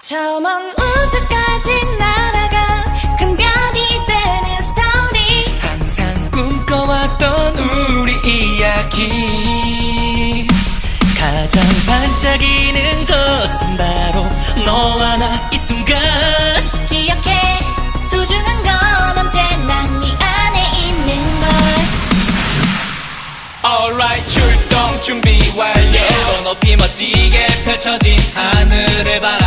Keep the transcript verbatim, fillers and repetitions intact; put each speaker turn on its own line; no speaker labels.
저 먼 우주까지 날아가 큰 별이 되는 스토리,
항상 꿈꿔왔던 우리 이야기. 가장 반짝이는 것은 바로 너와 나 이 순간.
기억해 소중한 건 언제나 네 안에 있는 걸.
Alright, 출동 준비 완료. 저 높이 멋지게 펼쳐진 하늘을 바라